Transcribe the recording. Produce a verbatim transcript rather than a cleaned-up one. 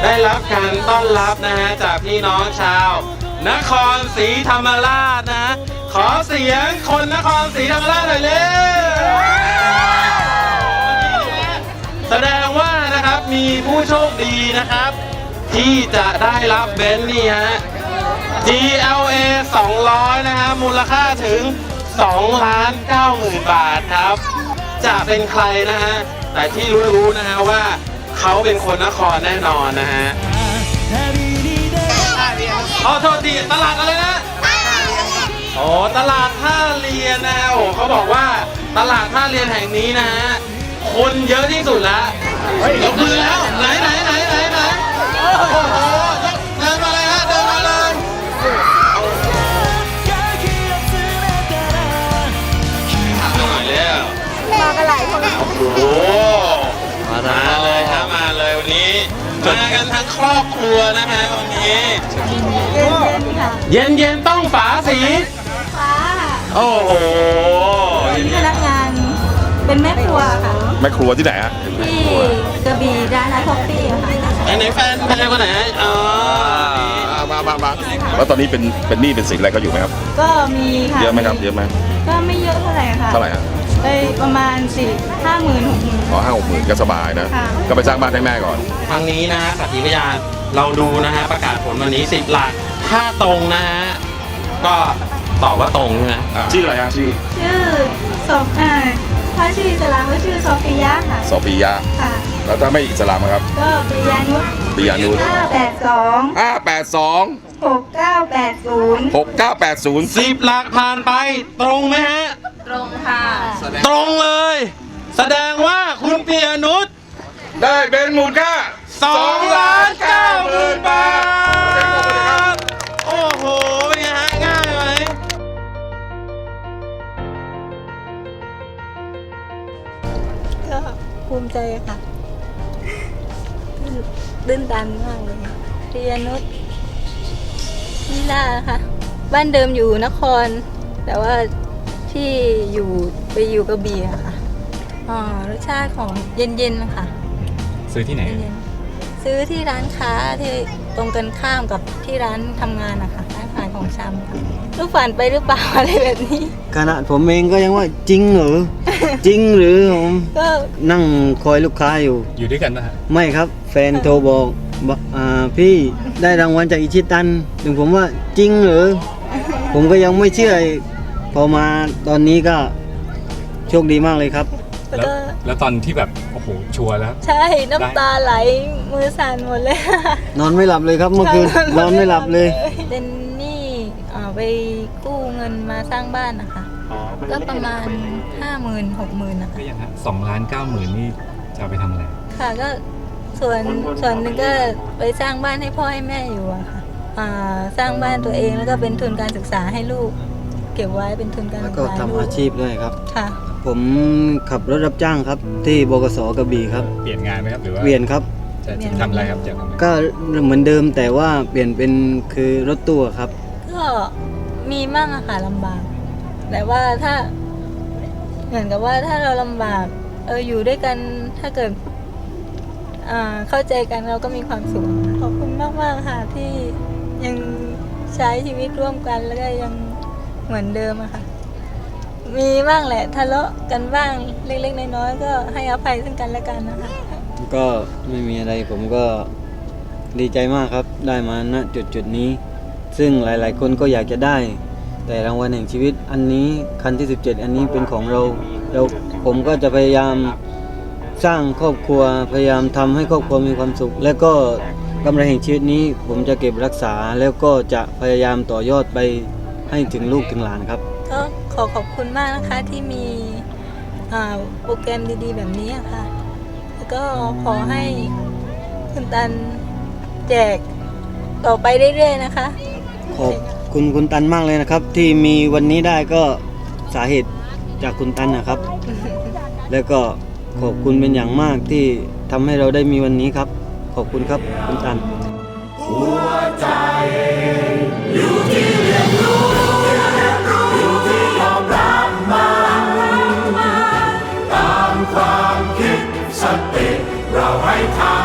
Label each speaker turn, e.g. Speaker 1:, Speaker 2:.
Speaker 1: ได้รับการต้อนรับนะฮะจากพี่น้องชาวนครศรีธรรมราชนะขอเสียงคนนครศรีธรรมราชหน่อยเร็วแสดงว่านะครับมีผู้โชคดีนะครับที่จะได้รับเบนซ์นี่ฮะ จี แอล เอ สองร้อยนะฮะมูลค่าถึงสองล้านเก้าหมื่นบาทครับจะเป็นใครนะฮะแต่ที่รู้ๆนะฮะว่าเขาเป็นคนนครแน่นอนนะฮะขอโทษทีตลาดอะไรนะโอ้ตลาดท่าเรียนนะโอ้เขาบอกว่าตลาดท่าเรียนแห่งนี้นะฮะคนเยอะที่สุดแล้วยกมือแล้วไหนไหนไหนไหนไหนโอ้โหเดินมาเลยฮะเดินมาเลยหน่อยแล้ว
Speaker 2: มากันหลายคน
Speaker 1: โอ้มาเลยครับมาเลยวันนี้มากันทั้งครอบครัวนะฮะวันนี้เย็นเย็นต้องฝาสี
Speaker 2: ฟ้า
Speaker 1: โอ้โห
Speaker 2: เป็นพนักงานเป็นแม่ครัวค่ะ
Speaker 3: แม่ครัวที่ไหนฮะ
Speaker 2: ที่กระบี่ร้านอาท็อฟฟี่ค่ะ
Speaker 1: ไหนแฟนแฟนคนไหนอ๋อ
Speaker 3: มามามาแล้วตอนนี้เป็นเป็นหนี้เป็นสินอะไรก็อยู่ไหมครับ
Speaker 2: ก็มีค่ะ
Speaker 3: เยอะไหมครับเยอะไหม
Speaker 2: ก็ไม่เยอะเท่าไหร่ค่ะ
Speaker 3: เท่าไหร่ฮะ
Speaker 2: ได้ประมาณสี่ห้าหมื่นหกหมื่น
Speaker 3: อ๋อห้าหกหมื่นก็สบายนะก็ไปสร้างบ้านให้แม่ก่อน
Speaker 1: ทางนี้นะฮะสักขีพยานเราดูนะฮะประกาศผลวันนี้สิบหลักถ้าตรงนะฮะก็ตอบว่าตรงใช่ไหม
Speaker 3: ชื่ออะไรฮะชื่อ
Speaker 2: ชื่อสมอ่าถ้าชื่ออิสลามก็ชื่อโซฟียะค่ะ
Speaker 3: โซฟียะ
Speaker 2: ค่ะ
Speaker 3: แล้วถ้าไม่อิสลามครับ
Speaker 2: ก็ปิยานุช
Speaker 3: ปิยานุช
Speaker 2: ห้าแปดสอง
Speaker 3: ห้าแปดสอง
Speaker 2: หกเก้าแปดศูนย์
Speaker 3: หกเก้าแปดศูนย์
Speaker 1: สิบหลักผ่านไปตรงไหมฮะ
Speaker 2: ตรงค่ะ
Speaker 1: ตรงเลยแสดงว่าคุณปิยานุช
Speaker 3: ได้เป็นมูลค่า
Speaker 1: สองล้านเก้าหมื่นบาทโอ้โหเป็นไงฮะง่ายไหม
Speaker 2: ก็ภูมิใจค่ะตื่นตันมากเลยปิยานุชนิลาค่ะบ้านเดิมอยู่นครแต่ว่าที่อยู่ไปอยู่กระบี่ค่ะอ๋อรสชาติของเย็นๆค่ะ
Speaker 1: ซื้อที่ไหน
Speaker 2: ซื้อที่ร้านค้าที่ตรงกันข้ามกับที่ร้านทำงานนะคะร้านขายของชำค่ะลูกฝันไปหรือเปล่าอะไรแบบนี้
Speaker 4: ขณะผมเองก็ยังว่าจริงเหรอ จริงหรือผมก็นั่งคอยลูกค้าอยู่
Speaker 1: อยู่ด้วยกันนะฮะ
Speaker 4: ไม่ครับแฟนโทรบอกอ่าพี่ได้รางวัลจากอิชิตันถึงผมว่าจริงเหรอ ผมก็ยังไม่เชื่อพอมาตอนนี้ก็โชคดีมากเลยครับ
Speaker 1: แล้วแล้วตอนที่แบบโอ้โหชัวร์แล้ว
Speaker 2: ใช่น้ำตาไหลมือสั่นหมดเลย
Speaker 4: นอนไม่หลับเลยครับเมื่อคืนนอนไม่หลับเลย
Speaker 2: เป็นหนี้ไปกู้เงินมาสร้างบ้านนะคะก็ประมาณห้าหมื่นหกหมื่นนะคะ
Speaker 1: ก็ยังฮะสองล้านเก้าหมื่นนี่จะไปทำอะไร
Speaker 2: ค่ะก็ส่วนส่วนหนึ่งก็ไปสร้างบ้านให้พ่อให้แม่อยู่อะค่ะสร้างบ้านตัวเองแล้วก็เป็นทุนการศึกษาให้ลูกเก็บไว้เป็นทุนการศึกษา
Speaker 4: แล้วก็ทำอาชีพด้วยครับ
Speaker 2: ค่ะ
Speaker 4: ผมขับรถรับจ้างครับที่บกสกระบี่ครับ
Speaker 1: เปลี่ยนงานไหมครับหรือว่า
Speaker 4: เปลี่ยนครับ
Speaker 1: จะทำอะไรครับจะทำอะไร
Speaker 4: ก็เหมือนเดิมแต่ว่าเปลี่ยนเป็นคือรถตู้ครับ
Speaker 2: ก็มีมั่งอะค่ะลำบากแต่ว่าถ้าเหมือนกับว่าถ้าเราลำบากเอออยู่ด้วยกันถ้าเกิดเข้าใจกันเราก็มีความสุขขอบคุณมากๆค่ะที่ยังใช้ชีวิตร่วมกันแล้วก็ยังเหมือนเดิมอะค่ะมีบ้างแหละทะเลาะกันบ้างเล็กๆน้อยๆก็ให้อภัยซึ่งกันและกันนะคะ
Speaker 4: ก็ไม่มีอะไรผมก็ดีใจมากครับได้มาณจุดจุดนี้ซึ่งหลายๆคนก็อยากจะได้แต่รางวัลแห่งชีวิตอันนี้คันที่สิบเจ็ดอันนี้เป็นของเราเราผมก็จะพยายามสร้างครอบครัวพยายามทำให้ครอบครัวมีความสุขและก็กำไรแห่งชีวิตนี้ผมจะเก็บรักษาแล้วก็จะพยายามต่อยอดไปให้ถึงลูกถึงหลานครับ
Speaker 2: ก็ขอขอบคุณมากนะคะที่มีโปรแกรมดีๆแบบนี้ค่ะแล้วก็ขอให้คุณตันแจกต่อไปเรื่อยๆนะคะ
Speaker 4: ขอบคุณคุณตันมากเลยนะครับที่มีวันนี้ได้ก็สาเหตุจากคุณตันนะครับ แล้วก็ขอบคุณเป็นอย่างมากที่ทำให้เราได้มีวันนี้ครับขอบคุณครับคุณตันหัวใจอยู่ที่เรียนรู้อยู่ที่ยอมรับมันตามความคิดสติเราให้ทำ